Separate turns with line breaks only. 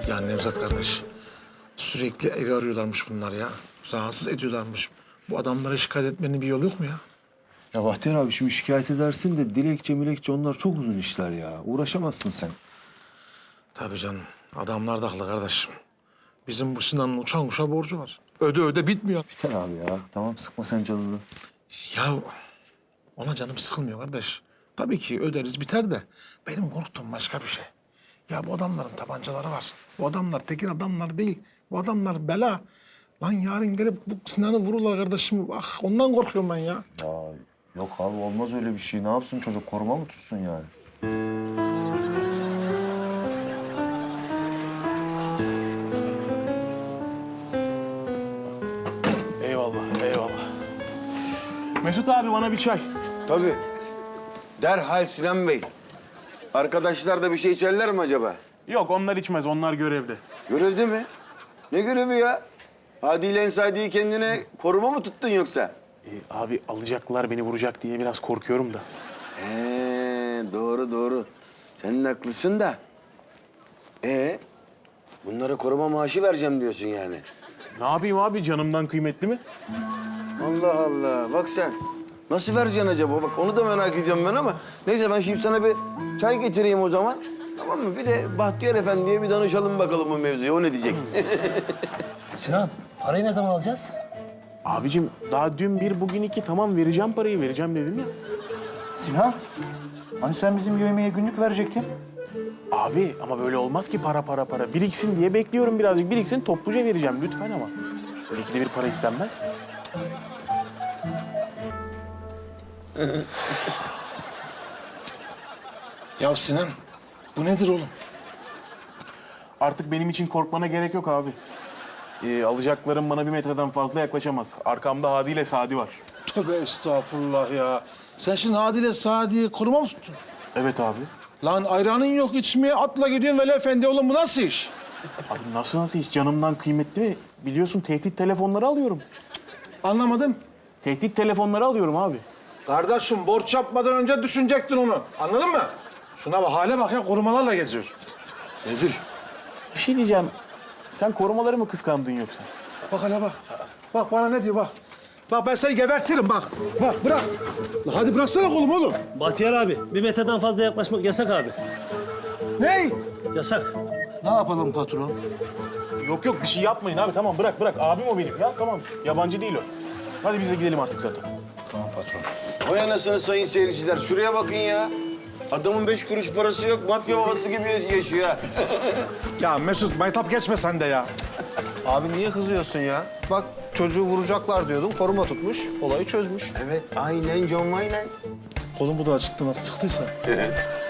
Ya Nevzat kardeş, sürekli evi arıyorlarmış bunlar ya. Rahatsız ediyorlarmış. Bu adamlara şikayet etmenin bir yolu yok mu ya?
Ya Bahtiyar abi şimdi şikayet edersin de dilekçe onlar çok uzun işler ya. Uğraşamazsın sen.
Tabii canım. Adamlar da haklı kardeşim. Bizim bu Sinan'ın uçan kuşa borcu var. Öde öde bitmiyor.
Biter abi ya. Tamam sıkma sen canını.
Ya ona canım sıkılmıyor kardeş. Tabii ki öderiz biter de benim korktuğum başka bir şey. Ya bu adamların tabancaları var. Bu adamlar tekin adamlar değil. Bu adamlar bela. Lan yarın gelip bu Sinan'ı vururlar kardeşim. Ah ondan korkuyorum ben ya.
Ya yok abi olmaz öyle bir şey. Ne yapsın çocuk koruma mı tutsun yani?
Eyvallah, eyvallah. Mesut abi bana bir çay.
Tabii. Derhal Sinan Bey. Arkadaşlar da bir şey içerler mi acaba?
Yok onlar içmez, onlar görevde.
Görevde mi? Ne görevi ya? Hadi ile Ensadi'yi kendine koruma mı tuttun yoksa?
Abi alacaklar beni vuracak diye biraz korkuyorum da.
Doğru doğru. Sen de haklısın da. Bunlara koruma maaşı vereceğim diyorsun yani.
Ne yapayım abi, canımdan kıymetli mi?
Allah Allah. Bak sen. Nasıl vereceksin acaba? Bak onu da merak ediyorum ben ama. Neyse ben şimdi sana bir çay getireyim o zaman. Tamam mı? Bir de Bahtiyar Efendi'ye bir danışalım bakalım bu mevzuyu. O ne diyecek?
Sinan, parayı ne zaman alacağız?
Abicim daha dün bir, bugün iki. Tamam vereceğim parayı, vereceğim dedim ya.
Sinan, hani sen bizim yemeğe günlük verecektin?
Abi ama böyle olmaz ki para. Biriksin diye bekliyorum birazcık. Biriksin topluca vereceğim lütfen ama. Böyle ikide bir para istenmez.
Ya Sinan, bu nedir oğlum?
Artık benim için korkmana gerek yok abi. Alacaklarım bana 1 metreden fazla yaklaşamaz. Arkamda Hadi ile Sadi var.
Tövbe estağfurullah ya. Sen şimdi Adile Sadi'yi koruma mı tuttun?
Evet abi.
Lan ayranın yok içmeye atla gidiyorsun Veli Efendi oğlum bu nasıl iş?
Abi nasıl hiç canımdan kıymetli mi? Biliyorsun tehdit telefonları alıyorum.
Anlamadım.
Tehdit telefonları alıyorum abi.
Kardeşim borç yapmadan önce düşünecektin onu. Anladın mı? Şuna bak hale bak ya korumalarla geziyor. Rezil.
Bir şey diyeceğim. Sen korumaları mı kıskandın yoksa?
Bak hele bak. Bak bana ne diyor bak. Bak ben seni gebertirim bak. Bak bırak. La hadi bıraksana kolumu oğlum.
Bahtiyar abi, 1 metreden fazla yaklaşmak yasak abi.
Ney?
Yasak.
Ne yapalım patron?
Yok bir şey yapmayın abi. Tamam bırak. Abim o benim. Ya tamam. Yabancı değil o. Hadi biz de gidelim artık zaten.
Tamam patron.
Vay anasını sayın seyirciler. Şuraya bakın ya. Adamın 5 kuruş parası yok. Mafya babası gibi yaşıyor ha.
Ya Mesut maytap geçme sen de ya.
Abi niye kızıyorsun ya? Bak çocuğu vuracaklar diyordun, koruma tutmuş, olayı çözmüş.
Evet aynen John aynen.
Oğlum bu da acıttı nasıl çıktıysa.